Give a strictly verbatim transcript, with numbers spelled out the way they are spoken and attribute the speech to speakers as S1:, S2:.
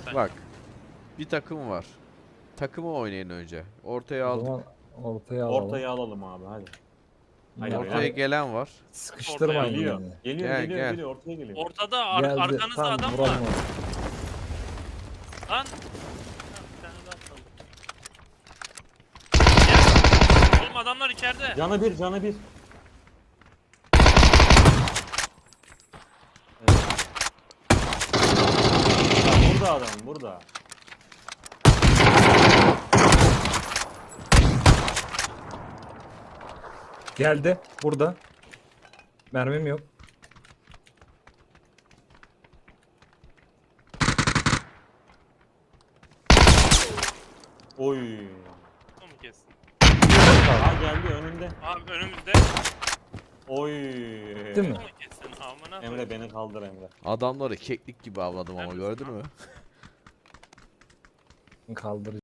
S1: sen.
S2: Bak. Bir takım var. Takımı oynayın önce. Ortaya
S3: O
S2: aldık.
S3: zaman ortaya alalım.
S4: Ortayı alalım abi hadi.
S3: Yine
S4: Haydi
S2: Ortaya
S4: beyler.
S2: gelen var.
S3: Sıkıştırmayın
S4: Geliyor.
S3: yani.
S4: Geliyor
S2: Gel,
S4: geliyor
S2: gel.
S4: geliyor ortaya geliyor.
S1: Ortada ar
S3: Geldi.
S1: arkanızda
S3: Tamam,
S1: adam
S3: vuralım
S1: var.
S3: onu.
S1: Lan. Ha, bir tane daha atladım. Gel. Oğlum adamlar içeride.
S4: Canı bir canı bir. Evet. Ya burada adam burada.
S3: Geldi. Burada. Mermim yok.
S4: Oy.
S1: Bu mu kessin?
S4: Ha geldi önünde.
S1: Abi önümüzde.
S4: Oy.
S3: Değil
S1: Bu
S3: mi?
S1: mu kessin? Amına
S4: Emre
S1: koyayım.
S4: beni kaldır Emre.
S2: Adamları keklik gibi avladım ama
S1: Neredesin
S2: gördün
S1: lan?
S2: mü?
S3: Kaldır.